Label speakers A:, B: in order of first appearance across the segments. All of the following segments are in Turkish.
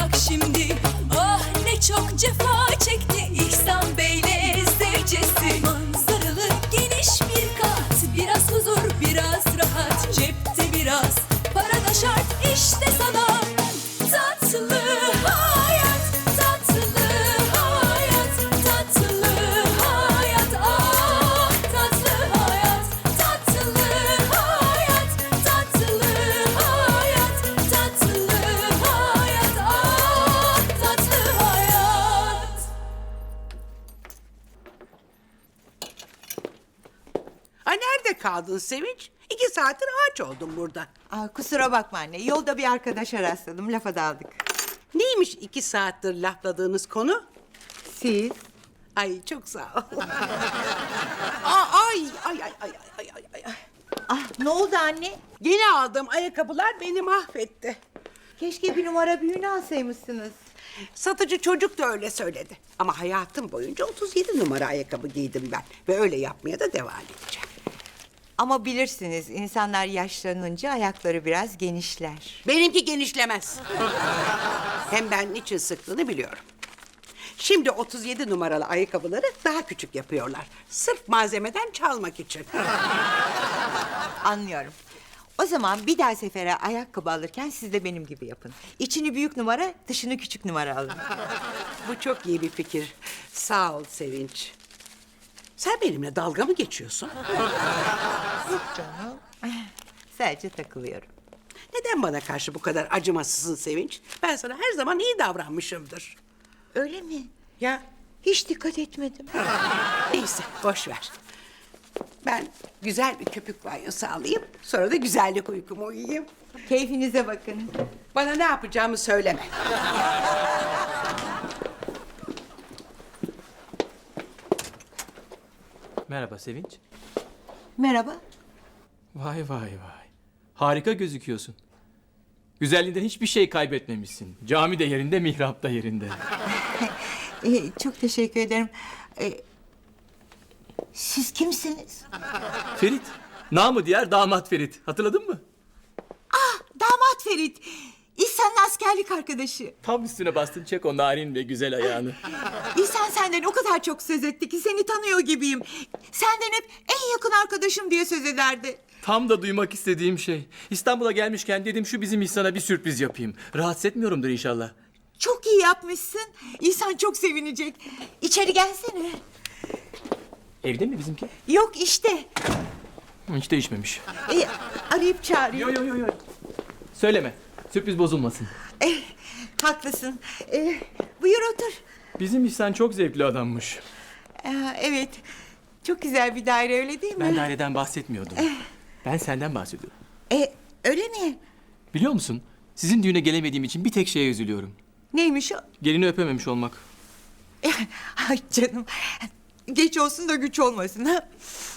A: bak şimdi. Ah ne çok cefa çekti İhsan Bey'le zevcesi. Manzaralı geniş bir kat, biraz huzur biraz rahat, cepte biraz para da şart işte sana. Tatlı hayat, tatlı hayat, tatlı hayat, ah tatlı hayat, tatlı hayat, tatlı hayat, tatlı hayat, ah tatlı hayat.
B: Ay nerede kaldın Sevinç? 2 saattir ağaç oldum burada.
C: Aa, kusura bakma anne. Yolda bir arkadaşa rastladım. Lafa daldık.
B: Neymiş 2 saattir lafladığınız konu?
C: Siz?
B: Ay çok sağ ol. Ay.
C: Ah, ne oldu anne?
B: Yeni aldığım ayakkabılar beni mahvetti.
C: Keşke bir numara büyüğünü alsaymışsınız.
B: Satıcı çocuk da öyle söyledi. Ama hayatım boyunca 37 numara ayakkabı giydim ben. Ve öyle yapmaya da devam edeceğim.
C: Ama bilirsiniz, insanlar yaşlanınca ayakları biraz genişler.
B: Benimki genişlemez. Hem ben niçin sıktığını biliyorum. Şimdi 37 numaralı ayakkabıları daha küçük yapıyorlar. Sırf malzemeden çalmak için.
C: Anlıyorum. O zaman bir daha sefere ayakkabı alırken siz de benim gibi yapın. İçini büyük numara, dışını küçük numara alın.
B: Bu çok iyi bir fikir. Sağ ol Sevinç. Sen benimle dalga mı geçiyorsun?
C: Yok canım. Sadece takılıyorum.
B: Neden bana karşı bu kadar acımasızsın Sevinç? Ben sana her zaman iyi davranmışımdır.
C: Öyle mi?
B: Ya
C: Hiç dikkat etmedim.
B: neyse boş ver. Ben güzel bir köpük banyosu alayım. Sonra da güzellik uykumu uyuyayım.
C: Keyfinize bakın.
B: Bana ne yapacağımı söyleme.
D: Merhaba Sevinç.
C: Merhaba.
D: Vay vay vay. Harika gözüküyorsun. Güzelliğinden hiçbir şey kaybetmemişsin. Cami de yerinde, mihrap da yerinde.
C: Çok teşekkür ederim. Siz kimsiniz?
D: Ferit. Namı diğer damat Ferit. Hatırladın mı?
C: Damat Ferit. İhsan'ın askerlik arkadaşı.
D: Tam üstüne bastın, çek o narin ve güzel ayağını.
C: İhsan senden o kadar çok söz etti ki seni tanıyor gibiyim. Senden hep en yakın arkadaşım diye söz ederdi.
D: Tam da duymak istediğim şey. İstanbul'a gelmişken dedim şu bizim İhsan'a bir sürpriz yapayım. Rahatsız etmiyorumdur inşallah.
C: Çok iyi yapmışsın. İhsan çok sevinecek. İçeri gelsene.
D: Evde mi bizimki?
C: Yok işte.
D: Hiç değişmemiş.
C: Arayıp çağırıyor.
D: Yo. Söyleme. Sürpriz bozulmasın.
C: Haklısın. Buyur otur.
D: Bizim İhsan çok zevkli adammış.
C: Evet. Çok güzel bir daire öyle değil mi?
D: Ben daireden bahsetmiyordum. Ben senden bahsediyorum.
C: Öyle mi?
D: Biliyor musun? Sizin düğüne gelemediğim için bir tek şeye üzülüyorum.
C: Neymiş o?
D: Gelini öpememiş olmak.
C: Ay canım. Geç olsun da güç olmasın ha.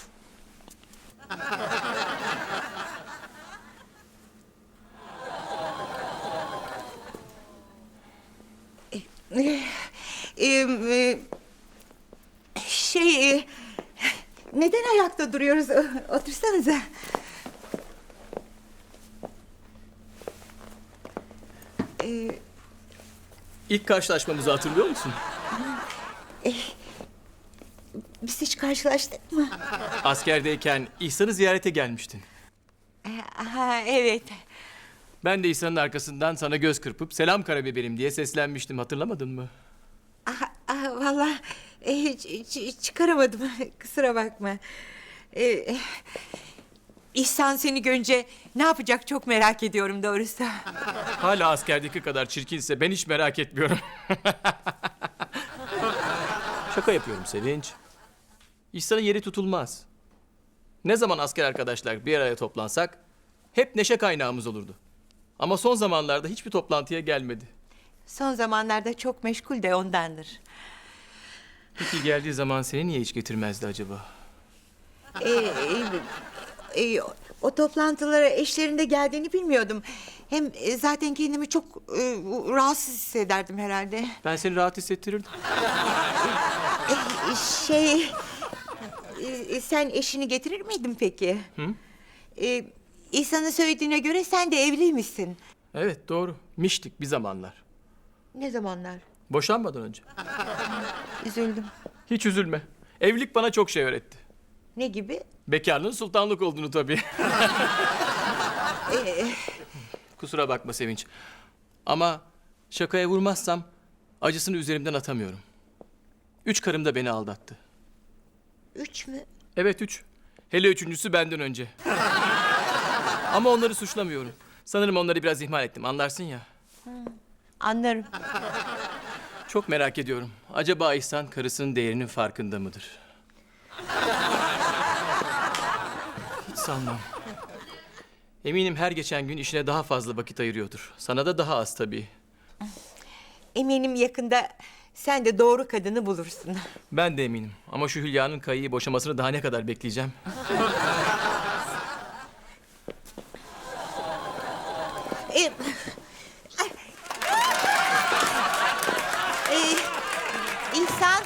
C: Neden ayakta duruyoruz? Otursanıza.
D: İlk karşılaşmamızı hatırlıyor musun?
C: Biz hiç karşılaştık mı?
D: Askerdeyken İhsan'ı ziyarete gelmiştin.
C: Evet.
D: Ben de İhsan'ın arkasından sana göz kırpıp selam karabiberim diye seslenmiştim, hatırlamadın mı?
C: Vallahi çıkaramadım. Kusura bakma. İhsan seni görünce ne yapacak çok merak ediyorum doğrusu.
D: Hala askerdeki kadar çirkinse ben hiç merak etmiyorum. Şaka yapıyorum Sevinç. İhsan'ın yeri tutulmaz. Ne zaman asker arkadaşlar bir araya toplansak hep neşe kaynağımız olurdu. Ama son zamanlarda hiçbir toplantıya gelmedi.
C: Son zamanlarda çok meşgul de ondandır.
D: Peki geldiği zaman seni niye hiç getirmezdi acaba?
C: O toplantılara eşlerinde geldiğini bilmiyordum. Hem zaten kendimi çok rahatsız hissederdim herhalde.
D: Ben seni rahat hissettirirdim.
C: Sen eşini getirir miydin peki? Hı? İhsan'ın söylediğine göre sen de evliymişsin.
D: Evet doğru. Miştik bir zamanlar.
C: Ne zamanlar?
D: Boşanmadan önce.
C: Üzüldüm.
D: Hiç üzülme. Evlilik bana çok şey öğretti.
C: Ne gibi?
D: Bekarlığın sultanlık olduğunu tabii. Kusura bakma Sevinç. Ama şakaya vurmazsam acısını üzerimden atamıyorum. 3 karım da beni aldattı.
C: 3 mü?
D: Evet 3. Hele üçüncüsü benden önce. Ama onları suçlamıyorum. Sanırım onları biraz ihmal ettim. Anlarsın ya.
C: Anlarım.
D: Çok merak ediyorum. Acaba İhsan karısının değerinin farkında mıdır? Hiç sanmam. Eminim her geçen gün işine daha fazla vakit ayırıyordur. Sana da daha az tabii.
C: Eminim yakında sen de doğru kadını bulursun.
D: Ben de eminim. Ama şu Hülya'nın Kayı'yı boşamasını daha ne kadar bekleyeceğim?
C: Ee, İhsan.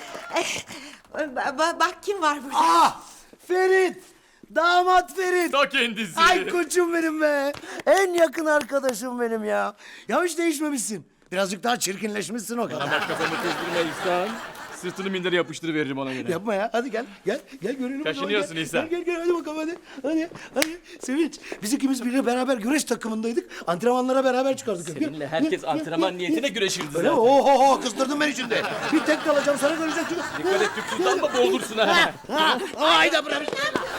C: Bak kim var burada.
E: Ah! Ferit! Damat Ferit!
D: Ta kendisi.
E: Ay koçum benim be! En yakın arkadaşım benim ya. Ya hiç değişmemişsin. Birazcık daha çirkinleşmişsin o kadar.
D: Bak kafamı kızdırma İhsan. Sırtını mindere yapıştırıveririm ona göre.
E: Yapma ya. Hadi gel. Gel. Gel görelim. bakalım,
D: Kaşınıyorsun
E: gel.
D: İhsan.
E: Gel hadi bakalım hadi. Hadi. Sevinç. Biz ikimiz birle beraber güreş takımındaydık. Antrenmanlara beraber çıkardık.
D: Seninle herkes antrenman niyetine güreşirdi
E: Öyle mi?
D: zaten.
E: Oho kızdırdın beni şimdi. Bir tek kalacağım sana göreceksin.
D: Dikkat et Türk Sultan'la boğulursun ha.
E: Hayda bırak.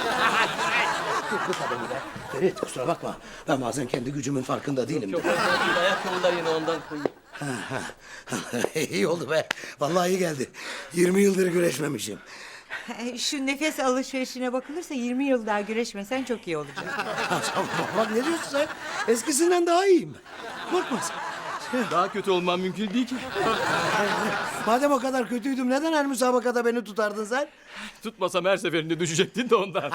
E: Ferit kusura bakma. Ben bazen kendi gücümün farkında değilim.
D: Çok önemli değil. Ayakkabılar yine ondan kayıp.
E: İyi oldu be. Vallahi iyi geldi. 20 yıldır güreşmemişim.
C: Şu nefes alışverişine bakılırsa 20 yıl daha güreşmesen çok iyi olacak.
E: Bak ne diyorsun sen? Eskisinden daha iyiyim. Korkma sen.
D: Daha kötü olmam mümkün değil ki.
E: Madem o kadar kötüydüm neden her müsabakada beni tutardın sen?
D: Tutmasam her seferinde düşecektin de ondan.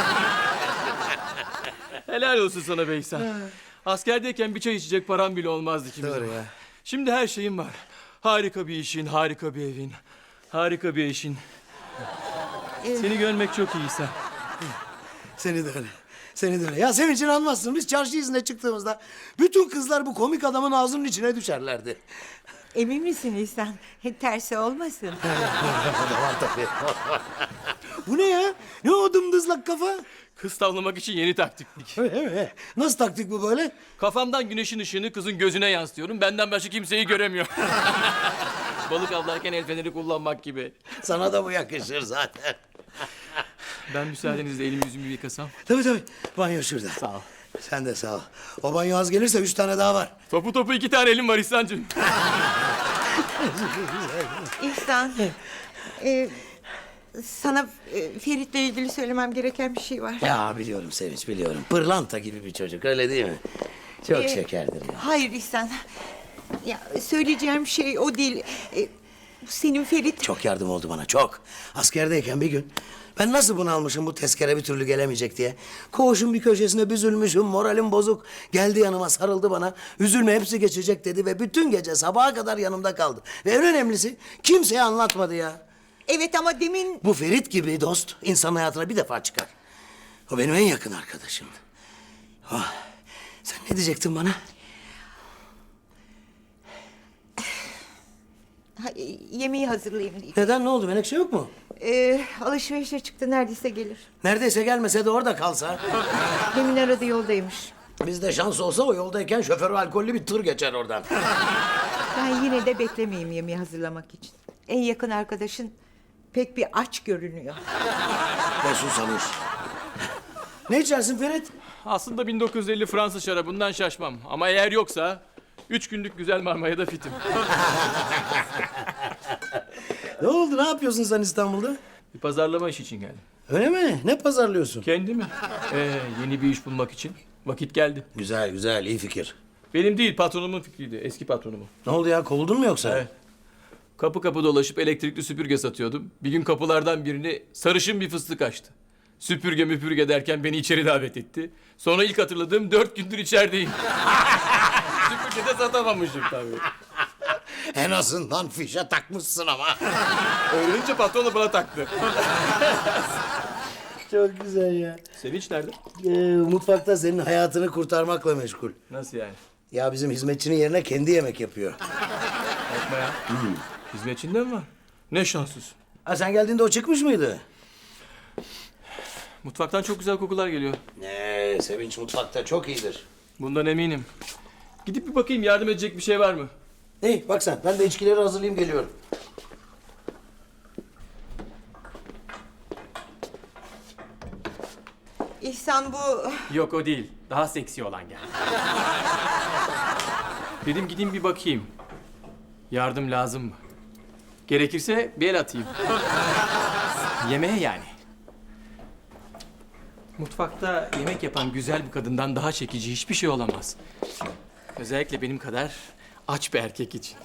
D: Helal olsun sana be İhsan. Askerdeyken bir çay içecek param bile olmazdı ikimize.
E: Doğru ya.
D: Şimdi her şeyim var. Harika bir işin, harika bir evin, harika bir eşin. Seni görmek çok iyi İhsan.
E: Seni de öyle. Seni de öyle. Ya Sevinç inanmazsın. Biz çarşı izine çıktığımızda bütün kızlar bu komik adamın ağzının içine düşerlerdi.
C: Emin misin İhsan? Tersi olmasın.
E: O da var tabii. Bu ne ya? Ne o dımdızlak kafa?
D: Kız tavlamak için yeni taktiklik.
E: Öyle mi? Nasıl taktik bu böyle?
D: Kafamdan güneşin ışığını kızın gözüne yansıtıyorum. Benden başka kimseyi göremiyor. Balık avlarken el feneri kullanmak gibi.
E: Sana da bu yakışır zaten.
D: Ben müsaadenizle elimi yüzümü yıkasam.
E: Tabii. Banyo şurada.
D: Sağ ol.
E: Sen de sağ ol. O banyo az gelirse 3 tane daha var.
D: Topu 2 tane elim var İhsan'cığım.
C: İhsan. Sana Ferit'le ilgili söylemem gereken bir şey var.
E: Ya biliyorum Sevinç biliyorum. Pırlanta gibi bir çocuk öyle değil mi? Çok şekerdir ya.
C: Hayır İhsan. Ya söyleyeceğim şey o değil. Senin Ferit...
E: Çok yardım oldu bana çok. Askerdeyken bir gün ben nasıl bunalmışım bu tezkere bir türlü gelemeyecek diye. Koğuşun bir köşesine büzülmüşüm, moralim bozuk. Geldi yanıma sarıldı bana. Üzülme hepsi geçecek dedi ve bütün gece sabaha kadar yanımda kaldı. Ve en önemlisi kimseye anlatmadı ya.
C: Evet ama demin...
E: Bu Ferit gibi dost insan hayatına bir defa çıkar. O benim en yakın arkadaşımdı. Oh, sen ne diyecektin bana?
C: Yemeği hazırlayayım diye.
E: Neden ne oldu Menekşe yok mu?
C: Alışverişe çıktı neredeyse gelir.
E: Neredeyse gelmese de orada kalsa.
C: Demin aradı yoldaymış.
E: Bizde şans olsa o yoldayken şoförü alkollü bir tır geçer oradan.
C: Ben yine de beklemeyeyim yemeği hazırlamak için. En yakın arkadaşın pek bir aç görünüyor.
E: Ve susamış. Ne içersin Ferit?
D: Aslında 1950 Fransız şarabından şaşmam. Ama eğer yoksa 3 günlük güzel Marmara'da fitim.
E: Ne oldu ne yapıyorsun sen İstanbul'da?
D: Bir pazarlama işi için geldim.
E: Öyle mi? Ne pazarlıyorsun?
D: Kendimi. Yeni bir iş bulmak için vakit geldi.
E: Güzel iyi fikir.
D: Benim değil patronumun fikriydi. Eski patronumun.
E: Ne oldu ya kovuldun mu yoksa?
D: Evet. Kapı kapı dolaşıp elektrikli süpürge satıyordum. Bir gün kapılardan birini sarışın bir fıstık açtı. Süpürge müpürge derken beni içeri davet etti. Sonra ilk hatırladığım 4 gündür içerideyim. Süpürge de satamamışım tabii.
E: En azından fişe takmışsın ama.
D: Öğrenince patron da bana taktı.
E: Çok güzel ya.
D: Sevinç nerede?
E: Mutfakta senin hayatını kurtarmakla meşgul.
D: Nasıl yani?
E: Ya bizim hizmetçinin yerine kendi yemek yapıyor.
D: yapma ya. Hizmetçinde mi var? Ne şanssız.
E: Ha, sen geldiğinde o çıkmış mıydı?
D: Mutfaktan çok güzel kokular geliyor.
E: Ne, Sevinç mutfakta çok iyidir.
D: Bundan eminim. Gidip bir bakayım, yardım edecek bir şey var mı?
E: İyi bak sen, ben de içkileri hazırlayayım geliyorum.
C: İhsan bu...
D: Yok, o değil. Daha seksi olan geldi. Dedim gideyim bir bakayım. Yardım lazım mı? Gerekirse bir el atayım. Yemeğe yani. Mutfakta yemek yapan güzel bir kadından daha çekici hiçbir şey olamaz. Özellikle benim kadar aç bir erkek için.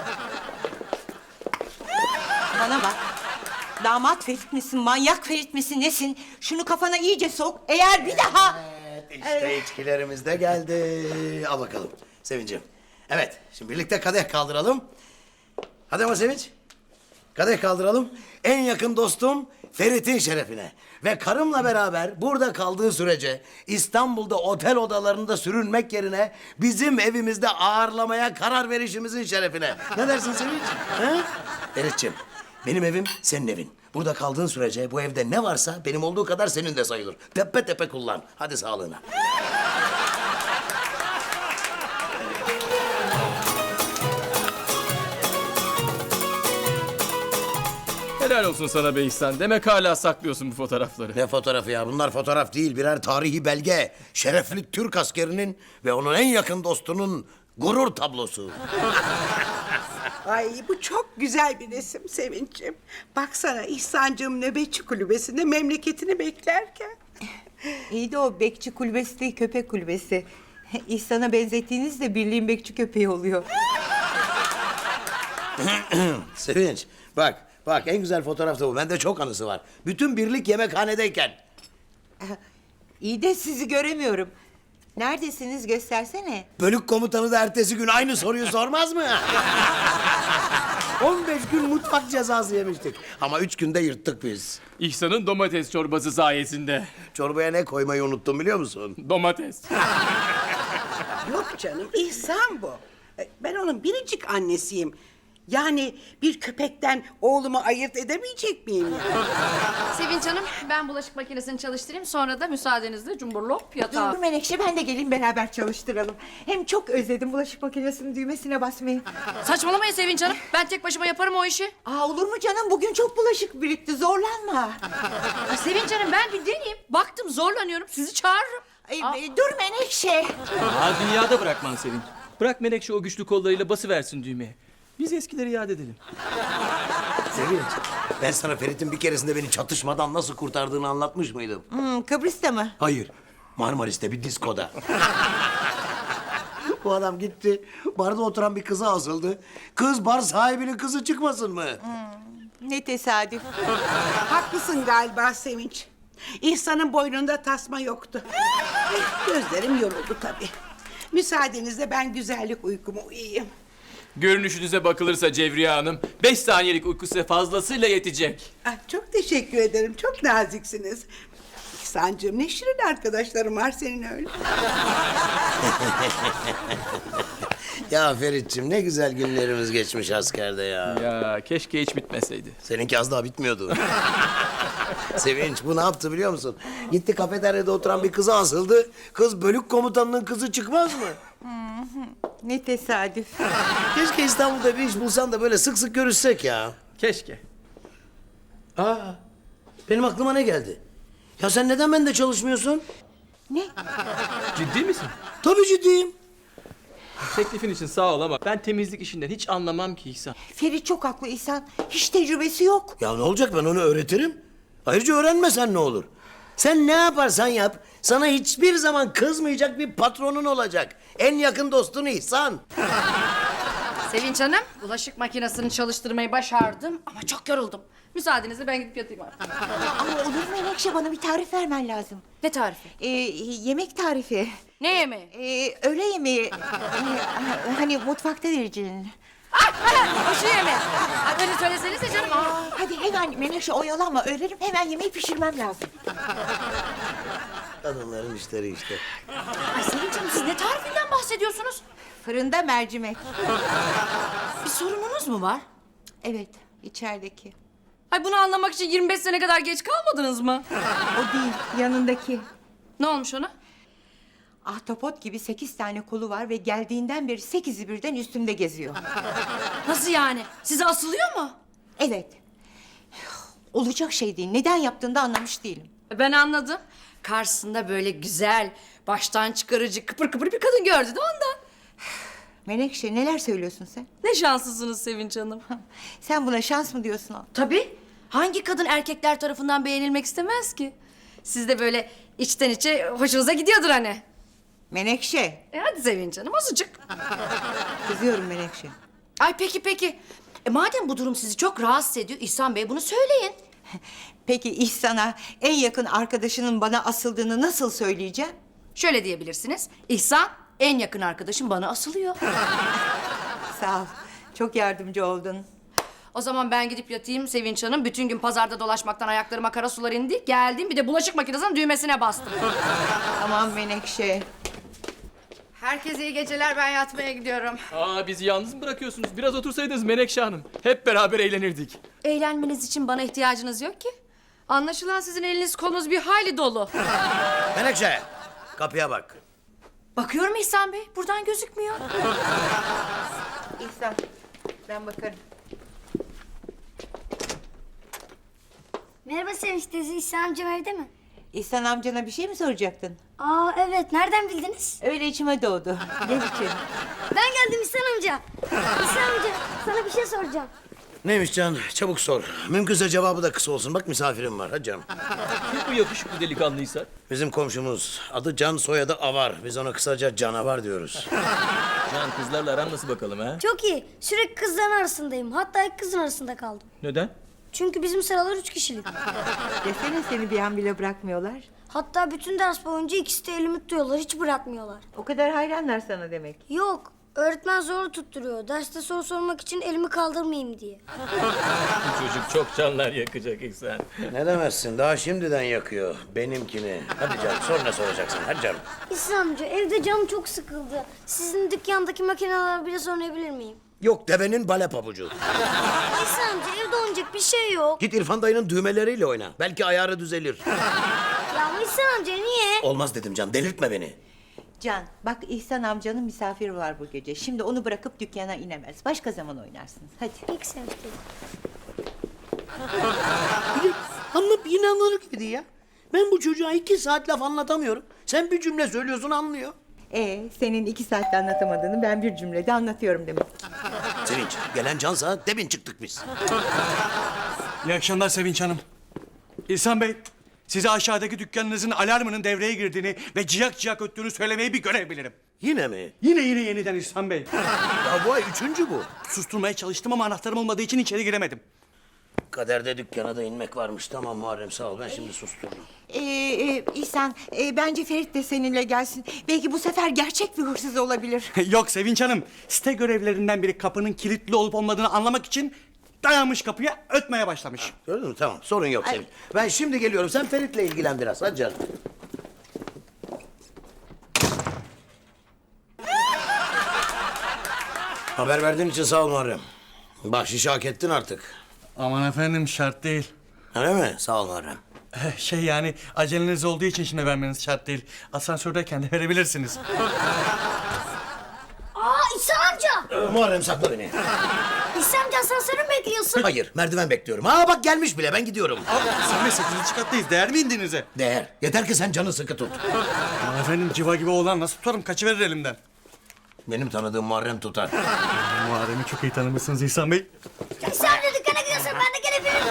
C: Bana bak. Damat Ferit misin, manyak Ferit misin, nesin? Şunu kafana iyice sok. Eğer bir daha...
E: İşte içkilerimiz de geldi. Al bakalım Sevinç'im. Evet, şimdi birlikte kadeh kaldıralım. Hadi ama Sevinç. Kadeh kaldıralım. En yakın dostum Ferit'in şerefine. Ve karımla beraber burada kaldığı sürece İstanbul'da otel odalarında sürünmek yerine bizim evimizde ağırlamaya karar verişimizin şerefine. Ne dersin Sevinç? He? Ferit'ciğim, benim evim senin evin. Burada kaldığın sürece bu evde ne varsa benim olduğu kadar senin de sayılır. Tepe tepe kullan. Hadi sağlığına.
D: Helal olsun sana be İhsan. Demek hala saklıyorsun bu fotoğrafları.
E: Ne fotoğrafı ya? Bunlar fotoğraf değil, birer tarihi belge. Şerefli Türk askerinin ve onun en yakın dostunun gurur tablosu.
B: Ay bu çok güzel bir resim Sevinç'im. Baksana İhsan'cığım nöbetçi kulübesinde memleketini beklerken.
C: İyi de o bekçi kulübesi değil, köpek kulübesi. İhsan'a benzettiğiniz de birliğin bekçi köpeği oluyor.
E: Sevinç, bak en güzel fotoğraf da bu. Bende çok anısı var. Bütün birlik yemekhanedeyken.
C: İyi de sizi göremiyorum. Neredesiniz, göstersene.
E: Bölük komutanı da ertesi gün aynı soruyu sormaz mı? 15 gün mutfak cezası yemiştik. Ama 3 günde yırttık biz.
D: İhsan'ın domates çorbası sayesinde.
E: Çorbaya ne koymayı unuttum biliyor musun?
D: Domates.
B: Yok canım İhsan bu. Ben onun biricik annesiyim. Yani bir köpekten oğlumu ayırt edemeyecek miyim ya?
F: Sevinç Hanım, ben bulaşık makinesini çalıştırayım. Sonra da müsaadenizle cumburlop yatağa.
C: Dur Menekşe, ben de geleyim beraber çalıştıralım. Hem çok özledim bulaşık makinesinin düğmesine basmayı.
F: Saçmalamayın Sevinç Hanım. Ben tek başıma yaparım o işi.
C: Aa, olur mu canım? Bugün çok bulaşık birikti. Zorlanma.
F: Ay, Sevinç Hanım, ben bir deneyeyim. Baktım zorlanıyorum. Sizi çağırırım.
C: Dur Menekşe.
D: Aa, dünyada bırakman Sevinç. Bırak Menekşe o güçlü kollarıyla basıversin düğmeye. Biz eskileri yad edelim.
E: Sevinç, ben sana Ferit'in bir keresinde beni çatışmadan nasıl kurtardığını anlatmış mıydım?
C: Kıbrıs'ta mı?
E: Hayır, Marmaris'te bir diskoda. Bu adam gitti, barda oturan bir kıza asıldı. Kız bar sahibinin kızı çıkmasın mı?
C: Ne tesadüf.
B: Haklısın galiba Sevinç. İhsan'ın boynunda tasma yoktu. Gözlerim yoruldu tabii. Müsaadenizle ben güzellik uykumu uyuyayım.
D: Görünüşünüze bakılırsa Cevriye Hanım, 5 saniyelik uyku size fazlasıyla yetecek.
B: Ah, çok teşekkür ederim. Çok naziksiniz. İhsan'cığım ne şirin arkadaşlarım var senin öyle.
E: Ya Ferit'ciğim ne güzel günlerimiz geçmiş askerde ya.
D: Ya keşke hiç bitmeseydi.
E: Seninki az daha bitmiyordu. Sevinç bu ne yaptı biliyor musun? Gitti kafeteryada oturan bir kıza asıldı. Kız bölük komutanının kızı çıkmaz mı?
C: Ne tesadüf.
E: Keşke İstanbul'da bir iş bulsan da böyle sık sık görüşsek ya.
D: Keşke.
E: Aa, benim aklıma ne geldi? Ya sen neden bende çalışmıyorsun?
C: Ne?
D: Ciddi misin?
E: Tabii ciddiyim.
D: Teklifin için sağ ol ama ben temizlik işinden hiç anlamam ki İhsan.
C: Ferit çok haklı İhsan. Hiç tecrübesi yok.
E: Ya ne olacak, ben onu öğretirim. Ayrıca öğrenmesen ne olur? Sen ne yaparsan yap, sana hiçbir zaman kızmayacak bir patronun olacak. En yakın dostun İhsan.
F: Sevinç Hanım, bulaşık makinesini çalıştırmayı başardım ama çok yoruldum. Müsaadenizle ben gidip yatayım artık.
C: Ama olur mu Menekşe, bana bir tarif vermen lazım.
F: Ne tarifi?
C: Yemek tarifi.
F: Ne yemeği?
C: Öğle yemeği. Hani mutfakta vereceğin.
F: Şu yemeği. Ay, öyle söylesenize canım.
C: Hadi hemen Menekşe oyalanma. Öğlerim, hemen yemeği pişirmem lazım.
E: Kadınların işleri işte.
F: Ay Sevinç Hanım, siz ne tarifinden bahsediyorsunuz?
C: Fırında mercimek.
F: Bir sorununuz mu var?
C: Evet, içerideki.
F: Ay bunu anlamak için 25 sene kadar geç kalmadınız mı?
C: O değil, yanındaki.
F: Ne olmuş ona?
C: Ahtapot gibi 8 tane kolu var ve geldiğinden beri 8'i birden üstümde geziyor.
F: Nasıl yani? Size asılıyor mu?
C: Evet. Olacak şey değil. Neden yaptığını da anlamış değilim.
F: Ben anladım. Karşısında böyle güzel, baştan çıkarıcı, kıpır kıpır bir kadın gördü de ondan.
C: Menekşe, neler söylüyorsun sen?
F: Ne şanslısınız Sevinç Hanım.
C: Sen buna şans mı diyorsun?
F: Tabii. Hangi kadın erkekler tarafından beğenilmek istemez ki? Siz de böyle içten içe hoşunuza gidiyordur hani.
C: Menekşe.
F: Hadi Sevinç Hanım azıcık.
C: Kızıyorum Menekşe.
F: Ay peki. Madem bu durum sizi çok rahatsız ediyor İhsan Bey bunu söyleyin.
C: Peki İhsan'a en yakın arkadaşının bana asıldığını nasıl söyleyeceğim?
F: Şöyle diyebilirsiniz. İhsan en yakın arkadaşım bana asılıyor.
C: Sağ ol. Çok yardımcı oldun.
F: O zaman ben gidip yatayım Sevinç Hanım. Bütün gün pazarda dolaşmaktan ayaklarıma kara sular indi. Geldim bir de bulaşık makinesinin düğmesine bastım.
C: Aman Menekşe.
F: Herkese iyi geceler ben yatmaya gidiyorum.
D: Aa, bizi yalnız mı bırakıyorsunuz? Biraz otursaydınız Menekşe Hanım. Hep beraber eğlenirdik.
F: Eğlenmeniz için bana ihtiyacınız yok ki. Anlaşılan sizin eliniz kolunuz bir hayli dolu.
E: Menekşe, kapıya bak.
F: Bakıyorum İhsan Bey buradan gözükmüyor.
C: İhsan, ben bakarım.
G: Merhaba Sevinç teyze, İhsan amcam evde mi?
C: İhsan amcana bir şey mi soracaktın?
G: Aa evet, nereden bildiniz?
C: Öyle içime doğdu. Gel içeri.
G: Ben geldim İhsan amca. İhsan amca, sana bir şey soracağım.
E: Neymiş Can? Çabuk sor. Mümkünse cevabı da kısa olsun. Bak misafirim var. Hadi canım.
D: Kim bu yakışıklı delikanlıysa?
E: Bizim komşumuz. Adı Can, soyadı Avar. Biz ona kısaca Canavar diyoruz.
D: Can, kızlarla aran nasıl bakalım ha?
G: Çok iyi, sürekli kızların arasındayım. Hatta ilk kızın arasında kaldım.
D: Neden?
G: Çünkü bizim sıralar 3 kişilik.
C: Desene seni bir an bile bırakmıyorlar.
G: Hatta bütün ders boyunca ikisi de elimi tutuyorlar, hiç bırakmıyorlar.
C: O kadar hayranlar sana demek.
G: Yok, öğretmen zor tutturuyor. Derste soru sormak için elimi kaldırmayayım diye.
D: Bu çocuk çok canlar yakacak İhsan.
E: Ne demezsin? Daha şimdiden yakıyor. Benimkini. Hadi canım sor ne soracaksın. Hadi canım.
G: İhsan amca, evde canım çok sıkıldı. Sizin dükkandaki makineler biraz oynayabilir miyim?
E: Yok devenin bale pabucu.
G: İhsan amca, evde oynayacak bir şey yok.
E: Git İrfan dayının düğmeleriyle oyna. Belki ayarı düzelir.
G: Ya ama İhsan amca niye?
E: Olmaz dedim Can. Delirtme beni.
C: Can, bak İhsan amcanın misafiri var bu gece. Şimdi onu bırakıp dükkana inemez. Başka zaman oynarsınız. Hadi.
G: İlk Sevinç teyze.
E: Anla inanılır gibi değil ya. Ben bu çocuğa 2 saat laf anlatamıyorum. Sen bir cümle söylüyorsun anlıyor.
C: Senin 2 saatte anlatamadığını ben bir cümlede anlatıyorum demek.
E: Sevinç gelen Cansa demin çıktık biz.
H: İyi akşamlar Sevinç Hanım. İhsan Bey, size aşağıdaki dükkanınızın alarmının devreye girdiğini ve ciyak ciyak öttüğünü söylemeyi bir görev bilirim.
E: Yine mi?
H: Yine yeniden İhsan Bey.
E: Ya bu ay 3. bu.
H: Susturmaya çalıştım ama anahtarım olmadığı için içeri giremedim.
E: Kaderde dükkana da inmek varmış. Tamam Muharrem sağ ol ben şimdi sustururum.
C: İhsan, bence Ferit de seninle gelsin. Belki bu sefer gerçek bir hırsız olabilir.
H: Yok Sevinç Hanım, site görevlilerinden biri kapının kilitli olup olmadığını anlamak için dayanmış kapıya ötmeye başlamış.
E: Gördün mü? Tamam sorun yok Sevinç. Ben şimdi geliyorum. Sen Ferit'le ilgilen biraz. Hadi canım. Haber verdiğin için sağ ol Muharrem. Bahşişi hak ettin artık.
H: Aman efendim şart değil.
E: Öyle mi? Sağ ol Muharrem.
H: Şey yani aceleniz olduğu için şimdi vermeniz şart değil. Asansördeyken de verebilirsiniz.
G: Aa İhsan amca!
E: Muharrem sakla beni.
G: İhsan amca asansörü mü bekliyorsun?
E: Hayır merdiven bekliyorum. Aa bak gelmiş bile ben gidiyorum.
H: Sen de 8. kattayız. Değer mi indiğinize?
E: Değer. Yeter ki sen canı sıkı tut.
H: Aman efendim civa gibi oğlan nasıl tutarım? Kaçıverir elimden.
E: Benim tanıdığım Muharrem tutar.
H: Muharrem'i çok iyi tanımışsınız İhsan Bey.
G: İhsan amca dükkana gidiyorsun, ben de gelebilirim.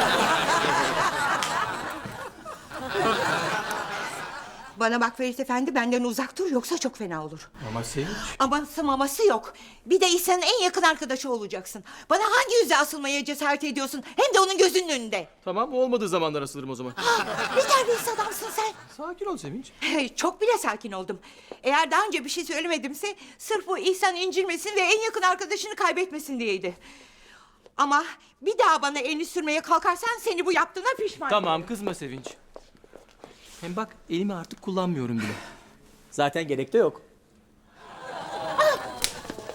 C: Bana bak Ferit Efendi, benden uzak dur yoksa çok fena olur.
D: Ama Sevinç.
C: Aması maması yok. Bir de İhsan'ın en yakın arkadaşı olacaksın. Bana hangi yüzle asılmaya cesaret ediyorsun? Hem de onun gözünün önünde.
D: Tamam, olmadığı zamanlar asılırım o zaman.
C: Ne terbiyesiz adamsın sen.
D: Sakin ol Sevinç.
C: Çok bile sakin oldum. Eğer daha önce bir şey söylemedimse sırf bu İhsan incilmesin ve en yakın arkadaşını kaybetmesin diyeydi. Ama bir daha bana elini sürmeye kalkarsan seni bu yaptığına pişman.
D: Tamam, kızma Sevinç. Hem bak elimi artık kullanmıyorum bile. Zaten gerek de yok.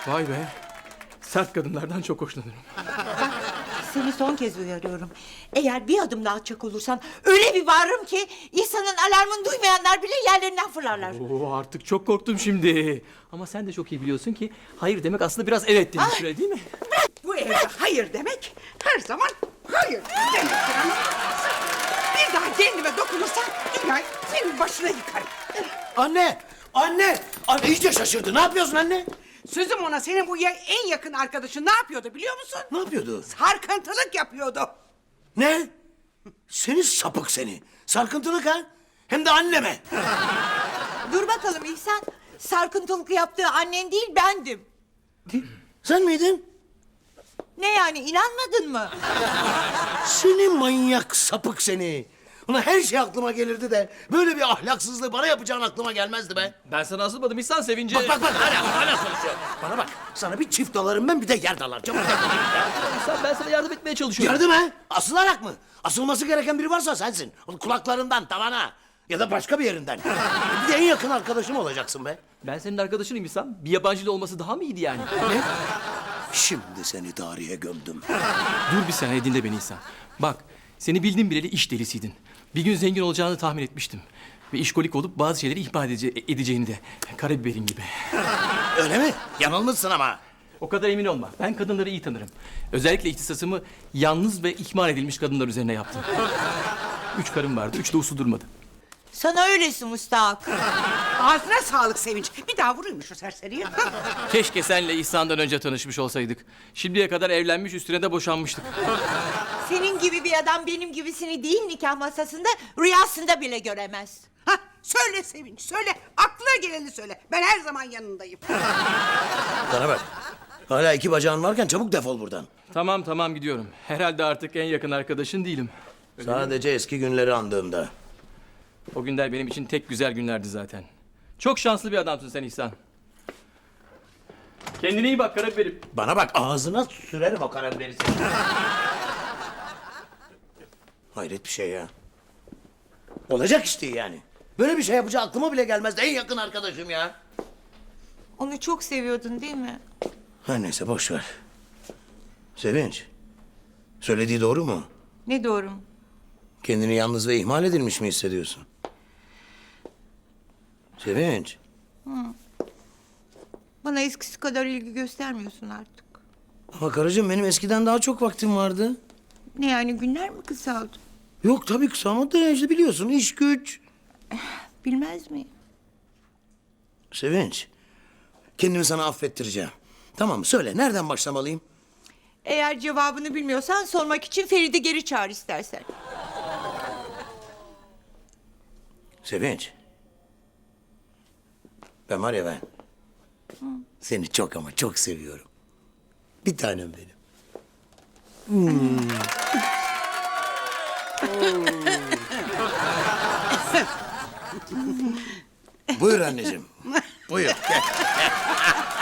D: Vay be. Sert kadınlardan çok hoşlanırım.
C: Seni son kez uyarıyorum. Eğer bir adım daha atacak olursan öyle bir bağırırım ki İhsan'ın alarmını duymayanlar bile yerlerinden fırlarlar.
D: Oo, artık çok korktum şimdi. Ama sen de çok iyi biliyorsun ki hayır demek aslında biraz evet demek, öyle değil mi?
B: Bu evde hayır demek her zaman hayır demektir ama bir daha kendime dokunursan illa senin başına yıkarım.
E: Anne! Anne! Anne iyice şaşırdı. Ne yapıyorsun anne?
B: Sözüm ona senin bu en yakın arkadaşın ne yapıyordu biliyor musun?
E: Ne yapıyordu?
B: Sarkıntılık yapıyordu.
E: Ne? Seni sapık seni. Sarkıntılık ha? Hem de anneme.
C: Dur bakalım İhsan. Sarkıntılık yaptığı annen değil bendim.
E: Sen miydin?
C: Ne yani inanmadın mı?
E: Seni manyak sapık seni. Ulan her şey aklıma gelirdi de böyle bir ahlaksızlığı bana yapacağın aklıma gelmezdi be.
D: Ben sana asılmadım İhsan, sevince.
E: Bak hala konuşuyor. Bana bak sana bir çift dalarım ben bir de yer dalar. Çabuk
D: İhsan, ben sana yardım etmeye çalışıyorum.
E: yardım ha? Asılarak mı? Asılması gereken biri varsa sensin. Onun kulaklarından tavana ya da başka bir yerinden. Bir de en yakın arkadaşım olacaksın be.
D: Ben senin arkadaşınım İhsan. Bir yabancıyla olması daha mı iyiydi yani?
E: Ne? Şimdi seni tarihe gömdüm.
D: Dur bir saniye, dinle beni İhsan. Bak, seni bildim bileli iş delisiydin. Bir gün zengin olacağını tahmin etmiştim. Ve işkolik olup bazı şeyleri ihmal edeceğini de. Karabiberin gibi.
E: Öyle mi? Yanılmışsın ama.
D: O kadar emin olma. Ben kadınları iyi tanırım. Özellikle ihtisasımı yalnız ve ihmal edilmiş kadınlar üzerine yaptım. 3 karım vardı, 3 de uslu durmadı.
C: Sana öylesi müstahak.
B: Ağzına sağlık Sevinç. Bir daha vurayım mı şu serseriyi?
D: Keşke senle İhsan'dan önce tanışmış olsaydık. Şimdiye kadar evlenmiş, üstüne de boşanmıştık.
C: Senin gibi bir adam benim gibisini değil nikah masasında rüyasında bile göremez.
B: Hah, söyle Sevinç söyle. Aklına geleni söyle. Ben her zaman yanındayım.
E: Bana bak. Hala 2 bacağın varken çabuk defol buradan.
D: Tamam gidiyorum. Herhalde artık en yakın arkadaşın değilim.
E: Sadece eski günleri andığımda.
D: O günler benim için tek güzel günlerdi zaten. Çok şanslı bir adamsın sen İhsan. Kendine iyi bak karabiberim.
E: Bana bak ağzına sürerim o karabiberi seni. Hayret bir şey ya. Olacak işte yani. Böyle bir şey yapacağı aklıma bile gelmezdi. En yakın arkadaşım ya.
C: Onu çok seviyordun değil mi?
E: Her neyse boş ver. Sevinç. Söylediği doğru mu?
C: Ne doğru mu?
E: Kendini yalnız ve ihmal edilmiş mi hissediyorsun? Sevinç.
C: Bana eskisi kadar ilgi göstermiyorsun artık.
E: Ama karıcığım benim eskiden daha çok vaktim vardı.
C: Ne yani günler mi kısaldı?
E: Yok tabii kısalmadı da işte biliyorsun iş güç.
C: Bilmez miyim?
E: Sevinç. Kendimi sana affettireceğim. Tamam söyle nereden başlamalıyım?
C: Eğer cevabını bilmiyorsan sormak için Feride geri çağır istersen.
E: Sevinç. Ben var ya ben. Seni çok ama çok seviyorum. Bir tanem benim. Buyur anneciğim. Buyur. Gel.